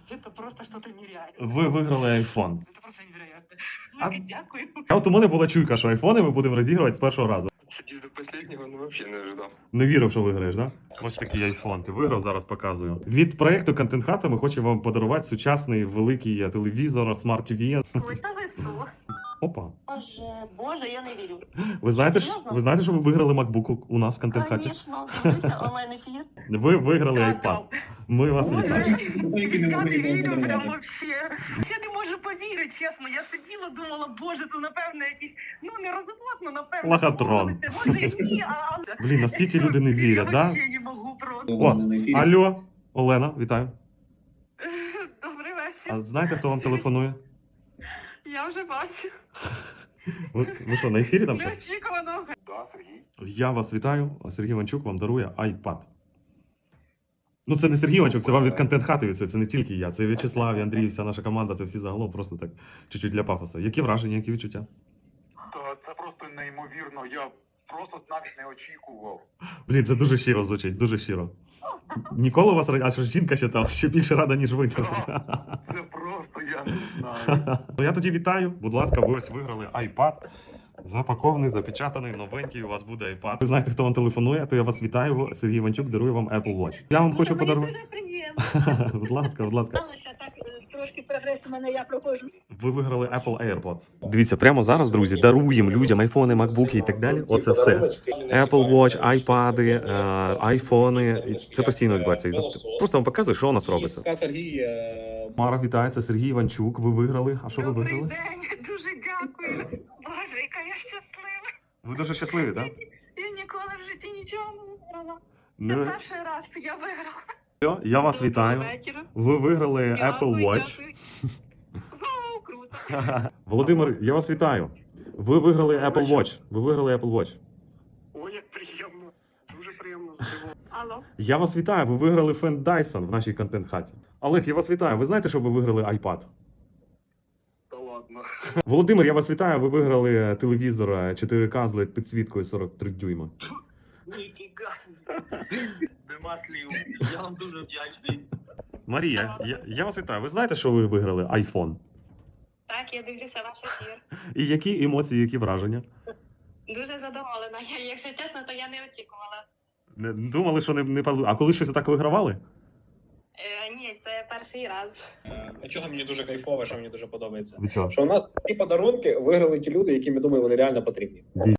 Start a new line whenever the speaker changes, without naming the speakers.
Это просто что-то нереальное.
Ви виграли iPhone.
Это просто невероятно.
А-
Велике дякую.
А от у мене була чуйка, що айфони ми будемо розігрувати з першого разу.
Сидів до последнего, ну вообще не ожидав.
Не вірив, що виграєш, да? Ось такий айфон. Ти виграв, зараз показую. Від проекту Контент Хата ми хочемо вам подарувати сучасний великий телевізор, смарт-ТВ.
Ой, та ви що?
Опа.
Боже, я не вірю.
Ви знаєте,
Серйозно?
ви знаєте, що ви виграли MacBook у нас в Контент Хаті?
Звісно, дивлюся онлайн-ефір.
Ви виграли iPad. Ми вас
Боже,
вітаємо.
я не вірю прям вообще. Я не можу повірити, чесно. Я сиділа, думала, боже, це напевно якісь, ну не розводно, напевно.
Лохотрон.
домовилися. Може і ні, а...
Блін, наскільки люди не вірять,
Я
да?
вообще не можу просто.
О, алло, Олена, вітаю.
Добрий вечір.
А знаєте, хто вам телефонує?
Я вже бачу.
Ви що, на ефірі там щось?
Неочікувано.
Да, Сергій.
Я вас вітаю. Сергій Іванчук вам дарує iPad. Ну, це не Сергій Іванчук, це вам від Контент Хати від цього. Це не тільки я. Це В'ячеслав, і Андрій, вся наша команда, це всі загалом просто так чуть-чуть для пафосу. Які враження, які відчуття?
Та це просто неймовірно. Я просто навіть не очікував.
Блін, це дуже щиро звучить, дуже щиро. Ніколи у вас а що жінка ще там ще більше рада, ніж ви.
Це просто я не знаю.
Ну я тоді вітаю. Будь ласка, ви ось виграли iPad. Запакований, запечатаний, новенький, у вас буде iPad. Ви знаєте, хто вам телефонує, то я вас вітаю. Сергій Іванчук дарує вам Apple Watch. Я вам хочу подарувати.
Дуже приємно.
Будь ласка, будь ласка.
Сталося так, трошки прогрес у мене, я проходжу.
Ви виграли Apple AirPods. Дивіться, прямо зараз, друзі, даруємо людям айфони, макбуки і так далі. Оце все. Apple Watch, айпади, айфони. Це постійно відбувається. Просто вам показую, що у нас робиться.
Сергій.
Мара, вітається, Сергій Іванчук. Ви виграли. А що ви
Добрий
виграли?
день, дуже дякую. Боже, яка я щаслива.
Ви дуже щасливі, так?
Я ніколи в житті нічого не виграла. Це
Ну,
перший раз я виграла.
все, я вас вітаю.
Доброго вечора.
Ви виграли Apple
Дякую,
Watch.
дякую. Вау, круто.
Володимир, я вас вітаю. Ви виграли Apple Watch. Ви виграли Apple Watch.
Ой, як приємно. Дуже приємно здивовано.
Алло.
Я вас вітаю. Ви виграли фен Dyson в нашій контент-хаті. Олег, я вас вітаю. Ви знаєте, що ви виграли iPad?
Та ладно.
Володимир, я вас вітаю. Ви виграли телевізор 4К з LED підсвіткою 43 дюйма.
Ніфіга. Нема слів. Я вам дуже вдячний.
Марія, я вас вітаю. Ви знаєте, що ви виграли iPhone?
Так, я дивлюся ваш ефір.
І які емоції, які враження?
Дуже задоволена. Якщо чесно, то я не очікувала.
Думали, що не А коли щось так вигравали?
Ні, це перший раз.
Чого мені дуже кайфово, що мені дуже подобається.
Від чого?
Що у нас ці подарунки виграли ті люди, яким, я думаю, вони реально потрібні.